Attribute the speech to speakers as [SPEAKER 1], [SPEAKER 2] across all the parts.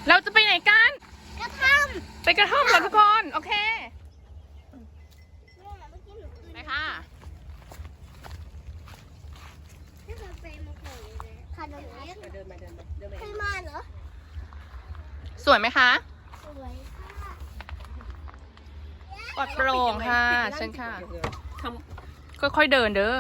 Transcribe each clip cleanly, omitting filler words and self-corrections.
[SPEAKER 1] เราจะไปไหนกัน
[SPEAKER 2] กระท่อม
[SPEAKER 1] ไปกระท่อมเหรอทุกคน โอเค ไปค่ะ
[SPEAKER 2] ไม่เคยไปมาก่อนเลยขนมเล็กเดินมาเคยมาเหรอ
[SPEAKER 1] สวยไหมคะ
[SPEAKER 2] สวยค่ะ
[SPEAKER 1] ปลอดโปร่งค่ะเชิญค่ะ ค่อยๆเดินเด้อ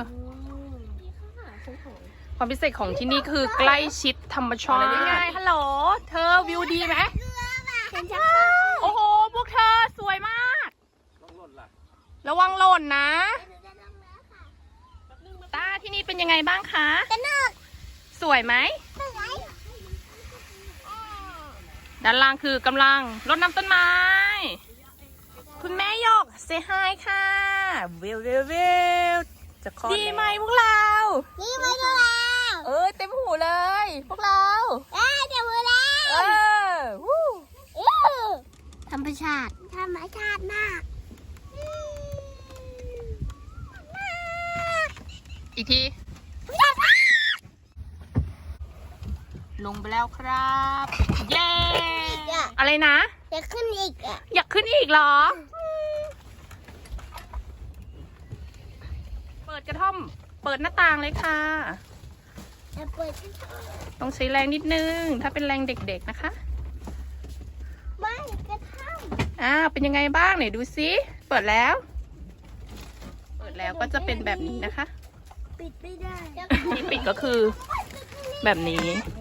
[SPEAKER 1] ความพิเศษของที่นี่คือใกล้ชิดธรรมชาตินี่ไงฮัลโหล เธอวิวดีไหม
[SPEAKER 2] ฉันจะ
[SPEAKER 1] โอ้โห พวกเธอสวยมาก ระวังหล่นนะ ตาที่นี่เป็นยังไงบ้างคะ
[SPEAKER 2] สนุก
[SPEAKER 1] สวยไหม
[SPEAKER 2] สวย
[SPEAKER 1] ด้านล่างคือกำลังรดน้ำต้นไม้ คุณแม่หยกเซฮายค่ะวิวจะคลอดดีไหมพวกเรา
[SPEAKER 2] นี่มาดูแล้ว
[SPEAKER 1] เต็มหูเลย พวกเรา
[SPEAKER 2] เดี๋ยวมาแล้ว
[SPEAKER 1] วู้
[SPEAKER 2] ธรรมชาติมาก
[SPEAKER 1] อีกที ลงไปแล้วครับ เย้ อะไรนะ
[SPEAKER 2] จะขึ้นอีกอ่ะ
[SPEAKER 1] อยากขึ้นอีกเหรอ เปิดกระท่อม เปิดหน้าต่างเลยค่ะ
[SPEAKER 2] จะเปิด
[SPEAKER 1] ต้องใช้แรงนิดนึง ถ้าเป็นแรงเด็กๆนะคะ
[SPEAKER 2] ไม่กระท่อม
[SPEAKER 1] เป็นยังไงบ้างไหนดูซิ เปิดแล้ว เปิดแล้วก็จะเป็นแบบนี้นะคะ
[SPEAKER 2] ปิดไม่ได้
[SPEAKER 1] ที่ปิดก็คือแบบนี้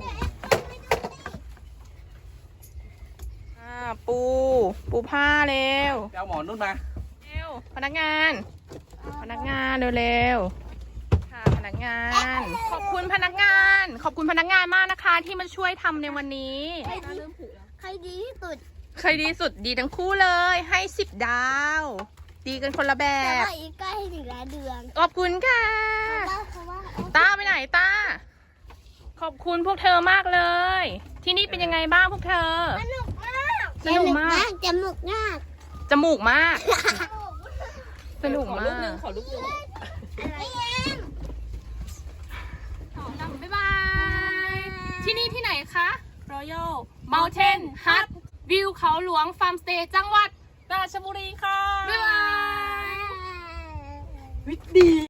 [SPEAKER 1] ปูผ้าเร็ว
[SPEAKER 3] เอาหมอนนุ่นมา
[SPEAKER 1] เร็ว พนักงานเร็วๆ ค่ะพนักงาน ขอบคุณพนักงาน ขอบคุณพนักงานมากนะคะ ที่มาช่วยทำในวันนี้
[SPEAKER 2] ใครดีที่สุด
[SPEAKER 1] ใครดีสุดดีทั้งคู่เลย ให้10 ดาว ดีกันคนละแบ
[SPEAKER 2] แต่
[SPEAKER 1] บ
[SPEAKER 2] ว่าอีกใกล้ถึงแล้วเดือน
[SPEAKER 1] ขอบคุณค่ะ
[SPEAKER 2] เพราะว่า
[SPEAKER 1] ตาไปไหนตา ขอบคุณพวกเธอมากเลย ที่นี่เป็นยังไงบ้างพวกเธอ
[SPEAKER 2] สนุกมาก
[SPEAKER 1] สนุกมาก
[SPEAKER 2] จมูกมาก
[SPEAKER 1] จมูกมาก สนุกมาก
[SPEAKER 3] ขอลูกนึง
[SPEAKER 2] อะไร
[SPEAKER 1] บ๊ายบาย ที่นี่ที่ไหนคะ Royal Mountain Hut วิวเขาหลวงฟาร์มสเตย์จังหวัดราชบุรีค่ะ บ๊ายบาย
[SPEAKER 2] ย
[SPEAKER 1] ดี